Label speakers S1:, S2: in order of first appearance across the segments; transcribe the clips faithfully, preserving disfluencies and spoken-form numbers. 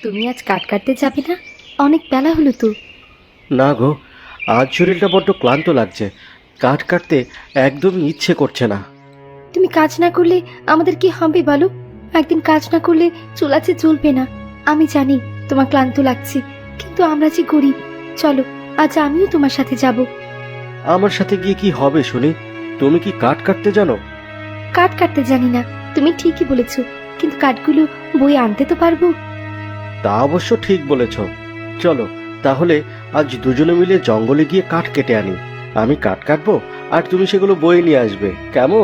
S1: তুমি আজ কাট কাটতে যাবে না? অনেক বেলা হলো তো।
S2: না গো, আজ শরীরটা বড্ড ক্লান্ত লাগছে। কাঠ কাটতে একদমই ইচ্ছে করছে না।
S1: তুমি কাজ না করলে আমাদের কি হবে বলো? একদিন কাজ না করলে চুল আছে চলবে না। আমি জানি তোমার ক্লান্ত লাগছে, কিন্তু আমরা যে গরিব। চলো, আজ আমিও তোমার সাথে যাব।
S2: আমার সাথে গিয়ে কি হবে শুনি? তুমি কি কাঠ কাটতে জানো?
S1: কাঠ কাটতে জানি না, তুমি ঠিকই বলেছো, কিন্তু কাঠগুলো বই আনতে তো পারবো।
S2: তা অবশ্য ঠিক বলেছ। চলো তাহলে আজ দুজনে মিলে জঙ্গলে গিয়ে কাঠ কেটে আনি। আমি কাঠ কাটবো আর তুমি সেগুলো বয়ে নিয়ে আসবে, কেমন?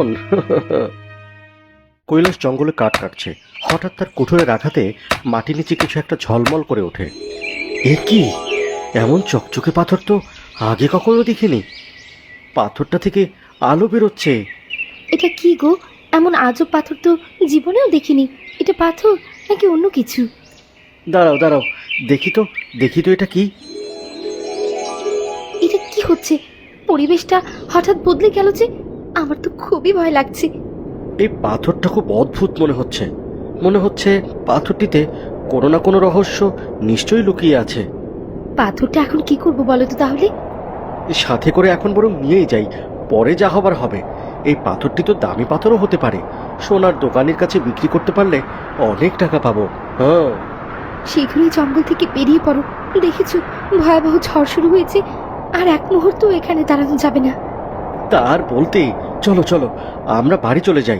S2: কৈলাস জঙ্গলে কাঠ কাটছে। হঠাৎ তার কুঠোরের আঘাতে মাটি নিচে কিছু একটা ঝলমল করে ওঠে। এ কি? এমন চকচকে পাথর তো আগে কখনো দেখিনি। পাথরটা থেকে আলো বেরোচ্ছে।
S1: এটা কি গো? এমন আজব পাথর তো জীবনেও দেখিনি। এটা পাথর নাকি অন্য কিছু?
S2: দাঁড়াও দাঁড়াও, দেখি তো দেখি তো এটা কি।
S1: এটা কি হচ্ছে? পরিবেশটা হঠাৎ বদলে গেল যে, আমার তো খুবই ভয় লাগছে।
S2: এই পাথরটা খুব অদ্ভুত মনে হচ্ছে। মনে হচ্ছে পাথরটিতে কোনো না কোনো রহস্য নিশ্চয়ই লুকিয়ে আছে।
S1: পাথরটা এখন কি করবো বলো তো তাহলে?
S2: সাথে করে এখন বরং নিয়েই যাই, পরে যা হবার হবে। এই পাথরটি তো দামি পাথরও হতে পারে। সোনার দোকানের কাছে বিক্রি করতে পারলে অনেক টাকা পাবো। হ্যাঁ,
S1: শীঘ্রই জঙ্গল থেকে বেরিয়ে পড়ো। দেখেছো, ভয়াবহ ঝড় শুরু হয়েছে, আর এক মুহূর্ত এখানে দাঁড়ানো যাবে না।
S2: তার বলতেই চলো চলো আমরা বাড়ি চলে যাই।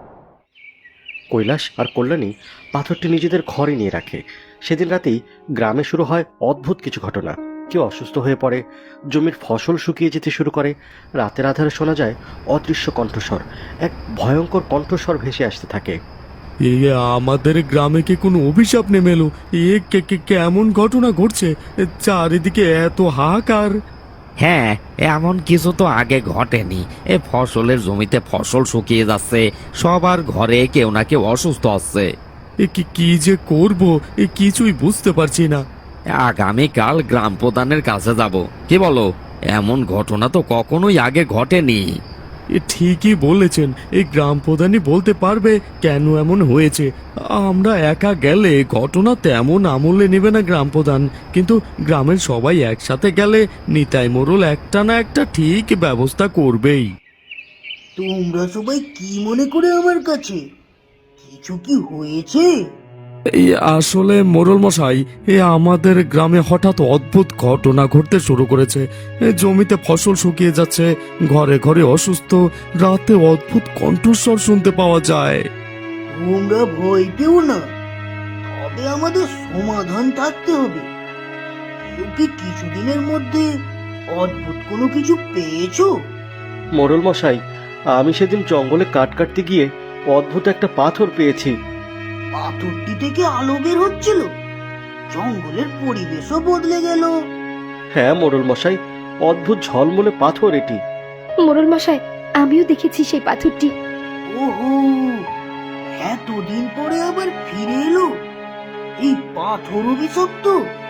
S2: কৈলাস আর কল্যাণী পাথরটি নিজেদের ঘরে নিয়ে রাখে। সেদিন রাতেই গ্রামে শুরু হয় অদ্ভুত কিছু ঘটনা। কেউ অসুস্থ হয়ে পড়ে, জমির ফসল শুকিয়ে যেতে শুরু করে। রাতের আধারে শোনা যায় অদৃশ্য কণ্ঠস্বর। এক ভয়ঙ্কর কণ্ঠস্বর ভেসে আসতে থাকে।
S3: এ আমাদের গ্রামে কি কোনো অভিশাপ নেমে এলো? এ কে কে কেমন ঘটনা ঘটছে? চারিদিকে এত হাহাকার।
S4: হ্যাঁ, এমন কিছু তো আগে ঘটেনি। এ ফসলের জমিতে ফসল শুকিয়ে যাচ্ছে, সবার ঘরে কেউ না কেউ অসুস্থ হচ্ছে।
S3: এ কি কি যে করব, এ কিছুই বুঝতে পারছি না।
S4: আগামীকাল গ্রাম প্রধানের কাছে যাব, কি বলো? এমন ঘটনা তো কখনোই আগে ঘটেনি।
S3: এ ঠিকই বলেছেন, এই গ্রাম প্রধানই বলতে পারবে কেন এমন হয়েছে। আমরা একা গেলে ঘটনা তেমন আমলে নেবে না গ্রাম প্রধান, কিন্তু গ্রামের সবাই একসাথে গেলে নিতাই মোড়ল একটা না একটা ঠিক ব্যবস্থা করবেই।
S5: তোমরা সবাই কি মনে করে আমার কাছে? কিছু কি হয়েছে?
S3: এই আসলে মোড়ল মশাই, এ আমাদের গ্রামে হঠাৎ অদ্ভুত ঘটনা ঘটতে শুরু করেছে। এ জমিতে ফসল শুকিয়ে যাচ্ছে, ঘরে ঘরে অসুস্থ, রাতে অদ্ভুত কণ্ঠস্বর শুনতে পাওয়া যায়।
S5: তোমরা ভয় পেও না, তবে আমাদের সমাধান থাকতে হবে। কেউ কি কিছুদিনের মধ্যে অদ্ভুত কোনো কিছু পেয়েছো?
S2: মোড়ল মশাই, আমি সেদিন জঙ্গলে কাঠ কাটতে গিয়ে অদ্ভুত একটা পাথর পেয়েছি।
S5: পাথরটি থেকে আলো বের হচ্ছিল, জঙ্গলের পরিবেশও বদলে গেল।
S2: হ্যাঁ মোড়ল মশাই, অদ্ভুত ঝলমলে পাথর এটি।
S1: মোড়ল মশাই, আমিও দেখেছি সেই পাথরটি।
S5: ওহো, এতদিন পরে আবার ফিরে এলো এই পাথর অভিশপ্ত।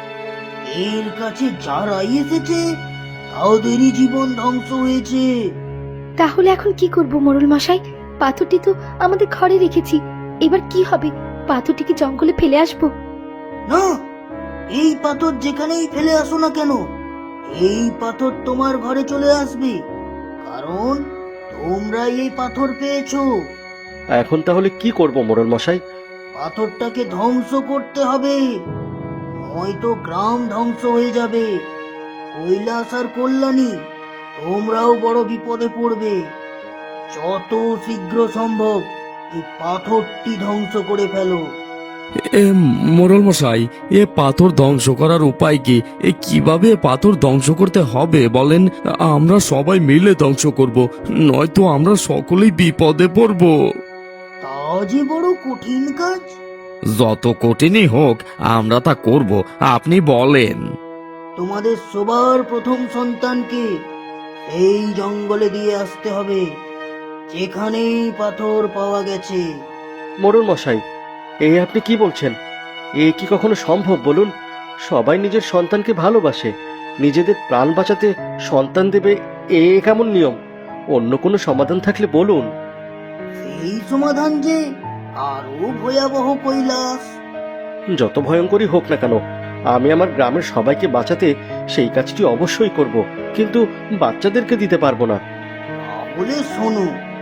S5: এর কাছে যারাই এসেছে তাদেরই জীবন ধ্বংস হয়েছে।
S1: তাহলে এখন কি করব মোড়ল মশাই? পাথরটি তো আমাদের ঘরে রেখেছি, এবার কি হবে? পাথরটিকে জঙ্গলে ফেলে আসবো?
S5: না, এই পাথর যেখানেই ফেলে আসো না কেন, এই পাথর তোমার ঘরে চলে আসবে, কারণ তোমরাই এই পাথর পেয়েছো।
S2: এখন তাহলে কি করব মোড়ল মশাই?
S5: পাথরটাকে ধ্বংস করতে হবে, নয়তো গ্রাম ধ্বংস হয়ে যাবে। কৈলাস আর কল্যাণী, তোমরাও বড় বিপদে পড়বে। যত শীঘ্র সম্ভব এই পাথরটি ধ্বংস করে ফেলো।
S3: এ মোড়ল মশাই, এ পাথর ধ্বংস করার উপায় কি? এ কিভাবে এ পাথর ধ্বংস করতে হবে বলেন? আমরা সবাই মিলে ধ্বংস করব, নয়তো আমরা সকলেই বিপদে পড়ব।
S5: তা যে বড় কঠিন কাজ।
S4: যত কঠিনই হোক আমরা তা করব, আপনি বলেন।
S5: তোমাদের সবার প্রথম সন্তানকে এই জঙ্গলে দিয়ে আসতে হবে, যেখানেই পাথর পাওয়া গেছে।
S2: মোড়ল মশাই, এই আপনি কি বলছেন? এ কি কখনো সম্ভব বলুন? সবাই নিজের সন্তানকে ভালোবাসে, নিজেদের প্রাণ বাঁচাতে সন্তান দেবে, এ কেমন নিয়ম? অন্য কোনো সমাধান থাকলে বলুন।
S5: সেই সমাধান যে আরো ভয়াবহ, কৈলাস।
S2: যত ভয়ঙ্করই হোক না কেন, আমি আমার গ্রামের সবাইকে বাঁচাতে সেই কাজটি অবশ্যই করব, কিন্তু বাচ্চাদেরকে দিতে পারবো না।
S5: তাহলে শোনো,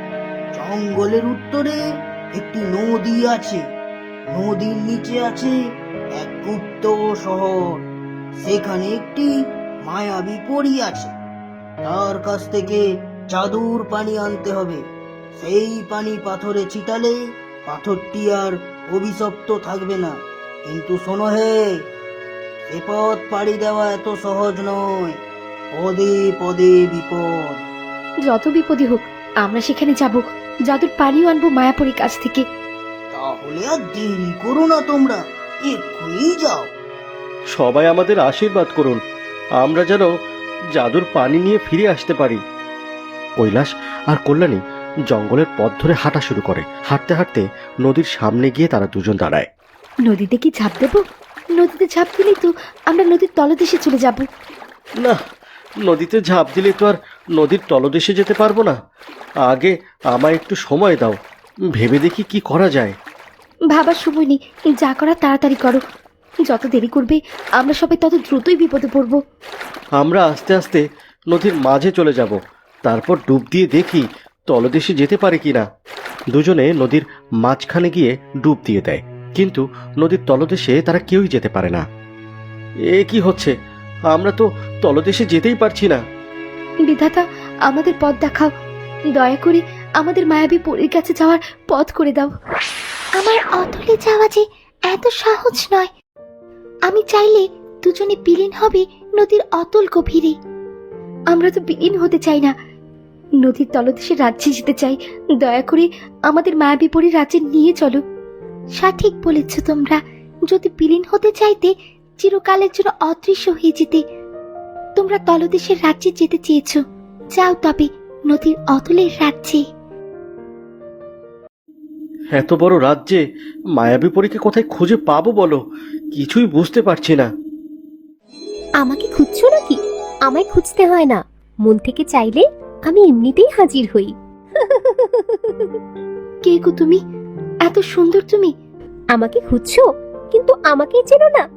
S5: জঙ্গলের উত্তরে একটি নদী আছে, নদীর নিচে আছে এক গুপ্ত শহর। সেখানে একটি মায়াবী পরী আছে, তার কাছ থেকে জাদুর পানি আনতে হবে। সেই পানি পাথরে ছিটালে পাথরটি আর অভিশপ্ত থাকবে না। কিন্তু শোনো হে, সে পথ পাড়ি দেওয়া এত সহজ নয়, পদে পদে বিপদ।
S1: যত বিপদই হোক আমরা সেখানে যাব, জাদুর পানিও আনবো মায়াপুরীর কাছ থেকে।
S5: তাহলে আর দেরি করো না, তোমরা এক্ষুনি যাও।
S2: সবাই আমাদের আশীর্বাদ করুন, আমরা যেন জাদুর পানি নিয়ে ফিরে আসতে পারি। কৈলাস আর কল্যাণী জঙ্গলের পথ ধরে হাঁটা শুরু করে। হাঁটতে হাঁটতে নদীর সামনে গিয়ে তারা দুজন দাঁড়ায়।
S1: নদীতে কি ঝাঁপ দেবো? নদীতে ঝাঁপ দিলেই তো আমরা নদীর তলদেশে চলে যাব।
S2: না, নদীতে ঝাঁপ দিলে তো আর নদীর তলদেশে যেতে পারবো না। আগে আমায় একটু সময় দাও, ভেবে দেখি কি করা যায়।
S1: ভাবার সময় নেই, যা করা তাড়াতাড়ি করো। যত দেরি করবে আমরা সবাই তত দ্রুতই বিপদে পড়ব।
S2: আমরা আস্তে আস্তে নদীর মাঝে চলে যাব, তারপর ডুব দিয়ে দেখি তলদেশে যেতে পারে কিনা। দুজনে নদীর মাঝখানে গিয়ে ডুব দিয়ে দেয়, কিন্তু নদীর তলদেশে তারা কেউই যেতে পারে না। এ কি হচ্ছে? আমরা তো তলদেশে যেতেই পারছি না।
S1: বিধাতা, আমাদের পথ দেখাও, দয়া করে আমাদের মায়াবী পরীর কাছে যাওয়ার পথ করে দাও। আমার অতলে যাওয়া যে এত সহজ নয়। আমি চাইলে দুজনে বিলীন হবে নদীর অতল গভীরে। আমরা তো বিলীন হতে চাই না, নদীর তলদেশের রাজ্যে যেতে চাই। দয়া করে আমাদের মায়াবী পরীর রাজ্যে নিয়ে চলো। সঠিক বলেছ তোমরা, যদি বিলীন হতে চাইতে চিরকালের জন্য অদৃশ্য হয়ে যেতে। তোমরা তলদেশের রাজ্যে যেতে চেয়েছো, যাও তবে নদীর অতলের রাজ্যে।
S2: এত বড় রাজ্যে মায়াবী পরীকে কোথায় খুঁজে পাবো বলো? কিছুই বুঝতে পারছি না।
S6: আমাকে খুঁজছো নাকি? আমায় খুঁজতে হয় না, মন থেকে চাইলে আমি এমনিতেই হাজির হই।
S1: কে গো তুমি? এত সুন্দর তুমি।
S6: আমাকে খুঁজছো, কিন্তু আমাকেই চেনো না।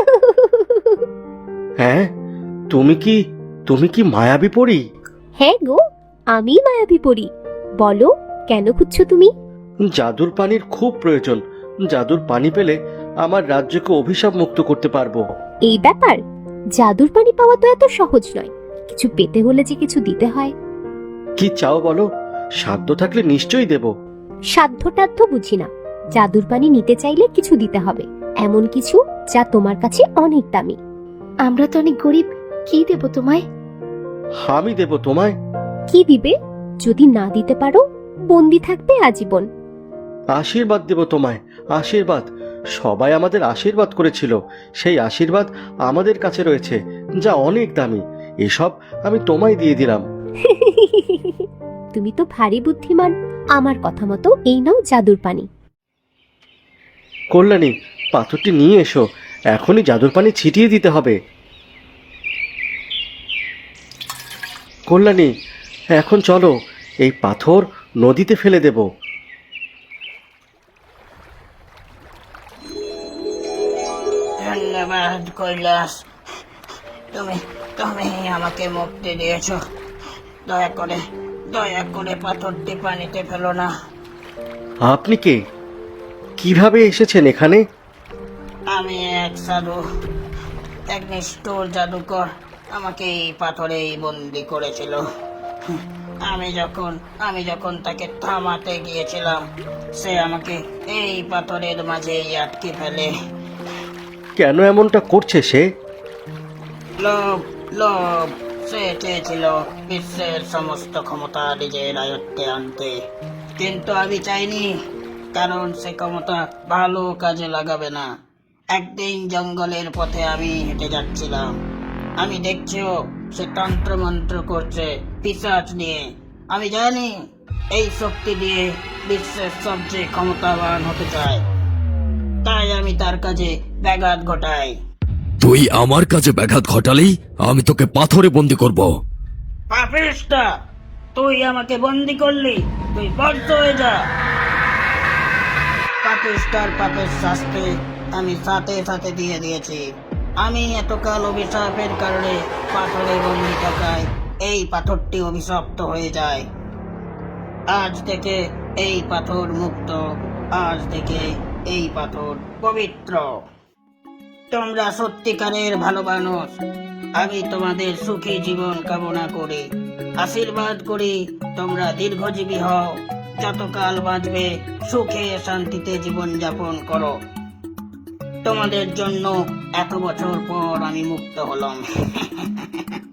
S2: হ্যাঁ, তুমি কি তুমি কি মায়াবী পরী?
S6: হ্যাঁ গো, আমি মায়াবী পরী। বলো, কেন খুঁজছো তুমি?
S2: জাদুর পানির খুব প্রয়োজন। জাদুর পানি পেলে আমার রাজ্যকে অভিশাপ মুক্ত করতে পারবো।
S6: এই ব্যাপার, জাদুর পানি পাওয়া তো এত সহজ নয়। কিছু পেতে হলে যে কিছু দিতে হয়।
S2: কি চাও বলো, সাধ্য থাকলে নিশ্চয়ই দেব।
S6: সাধ্য টাধ্য বুঝি না, জাদুর পানি নিতে চাইলে কিছু দিতে হবে, এমন কিছু যা তোমার কাছে অনেক দামি।
S1: আমরা তো অনেক গরিব, কি দেব তোমায়?
S2: আমি দেব তোমায়।
S6: কি দিবে? যদি না দিতে পারো, বন্দি থাকবে আজীবন।
S2: আশীর্বাদ দেব তোমায়, আশীর্বাদ। সবাই আমাদের আশীর্বাদ করেছিল, সেই আশীর্বাদ আমাদের কাছে রয়েছে, যা অনেক দামি। এসব আমি তোমায় দিয়ে দিলাম।
S6: তুমি তো ভারী বুদ্ধিমান। আমার কথা মতো এই নাও জাদুর পানি।
S2: কল্যাণী, পাথরটি নিয়ে এসো, এখনই জাদুর পানি ছিটিয়ে দিতে হবে। কল্যাণী, এখন চলো, এই পাথর নদীতে ফেলে দেব।
S5: ধন্যবাদ কৈলাস, তুমি তুমি আমাকে মুক্তি দিয়েছো। দয়া করে দয়া করে পাথরটি পানিতে ফেলো না।
S2: আপনি কে? কিভাবে এসেছেন এখানে?
S5: আমি এক সাধু, এক নিষ্ঠুর জাদুকর আমাকে এই পাথরেই বন্দি করেছিল। আমি যখন আমি যখন তাকে থামাতে গিয়েছিলাম, সে আমাকে এই পাথরের মাঝেই আটকে ফেলে।
S2: কেন এমনটা করছে সে?
S5: লোভ লোভ সে চেয়েছিল বিশ্বের সমস্ত ক্ষমতা নিজের আয়ত্তে আনতে, কিন্তু আমি চাইনি, কারণ সে ক্ষমতা ভালো কাজে লাগাবে না। একদিন জঙ্গলের পথে আমি হেঁটে যাচ্ছিলাম, আমি দেখছিও সে তন্ত্র মন্ত্র করছে পিশাচ নিয়ে। আমি জানি এই শক্তি দিয়ে বিশ্বের সবচেয়ে ক্ষমতাবান হতে চায়, তাই আমি তার কাজে ব্যাঘাত ঘটাই।
S3: তুই আমার কাছে ব্যাঘাত ঘটালেই আমি তোকে পাথরে বন্দি করব।
S5: পাপিষ্টা, তুই আমাকে বন্দি করলি, তুই বদ্ধ হয়ে যা। পাপিষ্টার পাপের শাস্তি আমি সাথে সাথে দিয়ে দিয়েছি। আমি এতকাল অভিশাপের কারণে পাথরে বন্দি থাকায় এই পাথরটি অভিশপ্ত হয়ে যায়। আজ থেকে এই পাথর মুক্ত, আজ থেকে এই পাথর পবিত্র। তোমরা সত্যিকারের ভালো মানুষ। আমি তোমাদের সুখী জীবন কামনা করি, আশীর্বাদ করি তোমরা দীর্ঘজীবী হও, যতকাল বাঁচবে সুখে শান্তিতে জীবন যাপন করো। তোমাদের জন্য এত বছর পর আমি মুক্ত হলাম।